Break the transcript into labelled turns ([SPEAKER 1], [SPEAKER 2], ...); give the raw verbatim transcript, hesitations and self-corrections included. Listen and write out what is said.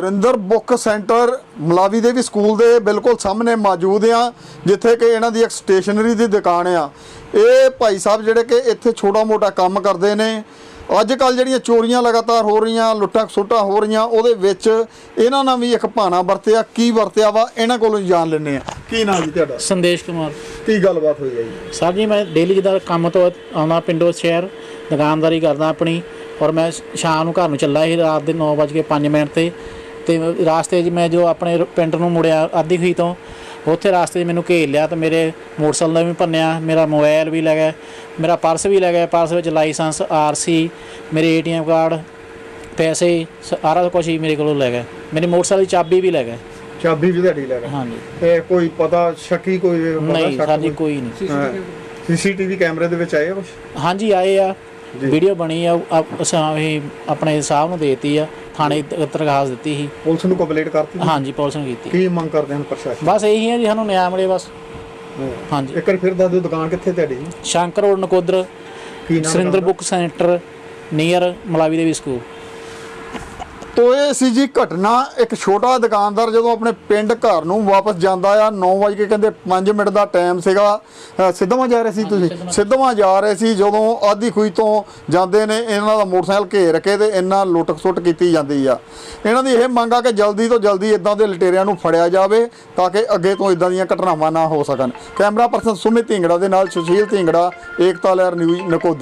[SPEAKER 1] Surinder book centre ਮਲਾਵੀ ਦੇ ਵੀ school ਦੇ ਬਿਲਕੁਲ ਸਾਹਮਣੇ ਮੌਜੂਦ ਆ, ਜਿੱਥੇ ਕਿ ਇਹਨਾਂ ਦੀ ਇੱਕ ਸਟੇਸ਼ਨਰੀ ਦੀ ਦੁਕਾਨ ਆ। ਇਹ ਭਾਈ ਸਾਹਿਬ ਜਿਹੜੇ ਕਿ ਇੱਥੇ ਛੋਟਾ ਮੋਟਾ ਕੰਮ ਕਰਦੇ ਨੇ। ਅੱਜ ਕੱਲ੍ਹ ਜਿਹੜੀਆਂ ਚੋਰੀਆਂ ਲਗਾਤਾਰ ਹੋ ਰਹੀਆਂ, ਲੁੱਟਾਂ ਖਸੁੱਟਾਂ ਹੋ ਰਹੀਆਂ, ਉਹਦੇ ਵਿੱਚ ਇਹਨਾਂ ਨਾਲ ਵੀ ਇੱਕ ਭਾਣਾ ਵਰਤਿਆ। ਕੀ ਵਰਤਿਆ ਵਾ ਇਹਨਾਂ ਕੋਲੋਂ ਜਾਣ ਲੈਂਦੇ ਆ। ਕੀ ਨਾਮ ਜੀ ਤੁਹਾਡਾ?
[SPEAKER 2] ਸੰਦੇਸ਼ ਕੁਮਾਰ।
[SPEAKER 1] ਕੀ ਗੱਲਬਾਤ ਹੋਈ ਹੈ ਜੀ?
[SPEAKER 2] ਸਰ ਜੀ, ਮੈਂ ਡੇਲੀ ਜਿੱਦਾਂ ਕੰਮ ਤੋਂ ਆਉਣਾ ਪਿੰਡੋਂ ਸ਼ਹਿਰ, ਦੁਕਾਨਦਾਰੀ ਕਰਦਾ ਆਪਣੀ, ਔਰ ਮੈਂ ਸ਼ਾਮ ਨੂੰ ਘਰ ਨੂੰ ਚੱਲਾ ਸੀ ਰਾਤ ਦੇ ਨੌ ਵੱਜ ਕੇ ਪੰਜ ਮਿੰਟ 'ਤੇ ਅਤੇ ਰਾਸਤੇ 'ਚ ਮੈਂ ਜੋ ਆਪਣੇ ਪਿੰਡ ਨੂੰ ਮੁੜਿਆ ਅੱਧੀ ਖੂਹੀ ਤੋਂ, ਉੱਥੇ ਰਾਸਤੇ 'ਚ ਮੈਨੂੰ ਘੇਰ ਲਿਆ ਅਤੇ ਮੇਰੇ ਮੋਟਰਸਾਈਕਲ ਦਾ ਵੀ ਭੰਨਿਆ, ਮੇਰਾ ਮੋਬਾਇਲ ਵੀ ਲੈ ਗਏ, ਮੇਰਾ ਪਰਸ ਵੀ ਲੈ ਗਏ। ਪਰਸ ਵਿੱਚ ਲਾਇਸੈਂਸ, ਆਰ ਸੀ, ਮੇਰੇ ਏ ਟੀ ਐਮ ਕਾਰਡ, ਪੈਸੇ, ਸਾਰਾ ਕੁਛ ਹੀ ਮੇਰੇ ਕੋਲੋਂ ਲੈ ਗਏ। ਮੇਰੀ ਮੋਟਰਸਾਈਕਲ ਦੀ ਚਾਬੀ ਵੀ ਲੈ ਗਏ।
[SPEAKER 1] ਚਾਬੀ ਵੀ ਤੁਹਾਡੀ ਲੈ ਗਏ? ਹਾਂਜੀ। ਤੇ ਕੋਈ ਪਤਾ ਸ਼ੱਕੀ ਕੋਈ
[SPEAKER 2] ਨਹੀਂ ਸਰ ਜੀ, ਕੋਈ ਨਹੀਂ।
[SPEAKER 1] ਸੀ ਸੀ ਟੀ ਵੀ ਕੈਮਰੇ ਦੇ ਵਿੱਚ ਆਏ ਕੁਛ?
[SPEAKER 2] ਹਾਂਜੀ ਆਏ ਆ, ਵੀਡੀਓ ਬਣੀ ਆ, ਅਸੀਂ ਆਪਣੇ ਸਾਹਿਬ ਨੂੰ ਦੇਤੀ ਆ, ਥਾਣੇ ਦਰਖਾਸਤ ਦਿੱਤੀ ਸੀ।
[SPEAKER 1] ਪੁਲਿਸ ਨੂੰ ਕੰਪਲੇਂਟ ਕਰਤੀ? ਹਾਂਜੀ
[SPEAKER 2] ਪੁਲਿਸ ਨੂੰ ਕੀਤੀ।
[SPEAKER 1] ਕੀ ਮੰਗ ਕਰਦੇ ਹਨ ਪ੍ਰਸ਼ਾਸਨ?
[SPEAKER 2] ਬਸ ਇਹੀ ਹੈ ਜੀ, ਸਾਨੂੰ ਨਿਆਂ ਮਿਲੇ ਬਸ। ਹਾਂਜੀ।
[SPEAKER 1] ਇੱਕ ਵਾਰ ਫਿਰ ਦੱਸ ਦਿਓ ਦੁਕਾਨ ਕਿੱਥੇ ਤੁਹਾਡੀ ਜੀ?
[SPEAKER 2] Shankar road, Nakodar, Surinder book centre near Malavi Devi school.
[SPEAKER 1] ਤੋ ਇਹ ਸੀ ਜੀ ਘਟਨਾ। ਇੱਕ ਛੋਟਾ ਦੁਕਾਨਦਾਰ ਜਦੋਂ ਆਪਣੇ ਪਿੰਡ ਘਰ ਨੂੰ ਵਾਪਸ ਜਾਂਦਾ ਆ, ਨੌ ਵਜੇ ਕੇ ਕਹਿੰਦੇ ਪੰਜ ਮਿੰਟ ਦਾ ਟਾਈਮ ਸੀਗਾ। ਸਿੱਧਵਾਂ ਜਾ ਰਹੇ ਸੀ ਤੁਸੀਂ? ਸਿੱਧਵਾਂ ਜਾ ਰਹੇ ਸੀ। ਜਦੋਂ ਆਧੀ ਖੂਹੀ ਤੋਂ ਜਾਂਦੇ ਨੇ, ਇਹਨਾਂ ਦਾ ਮੋਟਰਸਾਈਕਲ ਘੇਰ ਕੇ ਤੇ ਇਹਨਾਂ ਲੁੱਟ ਖਸੁੱਟ ਕੀਤੀ ਜਾਂਦੀ ਆ। ਇਹਨਾਂ ਦੀ ਇਹ ਮੰਗ ਆ ਕਿ ਜਲਦੀ ਤੋਂ ਜਲਦੀ ਇਦਾਂ ਦੇ ਲੁਟੇਰਿਆਂ ਨੂੰ ਫੜਿਆ ਜਾਵੇ ਤਾਂ ਕਿ ਅੱਗੇ ਤੋਂ ਇਦਾਂ ਦੀਆਂ ਘਟਨਾਵਾਂ ਨਾ ਹੋ ਸਕਣ। ਕੈਮਰਾ ਪਰਸਨ ਸੁਮਿਤ ਢਿੰਗੜਾ ਦੇ ਨਾਲ ਸੁਸ਼ੀਲ ਢਿੰਗੜਾ, ਏਕਤਾ ਲਹਿਰ ਨਿਊਜ਼, ਨਕੋਦਰ।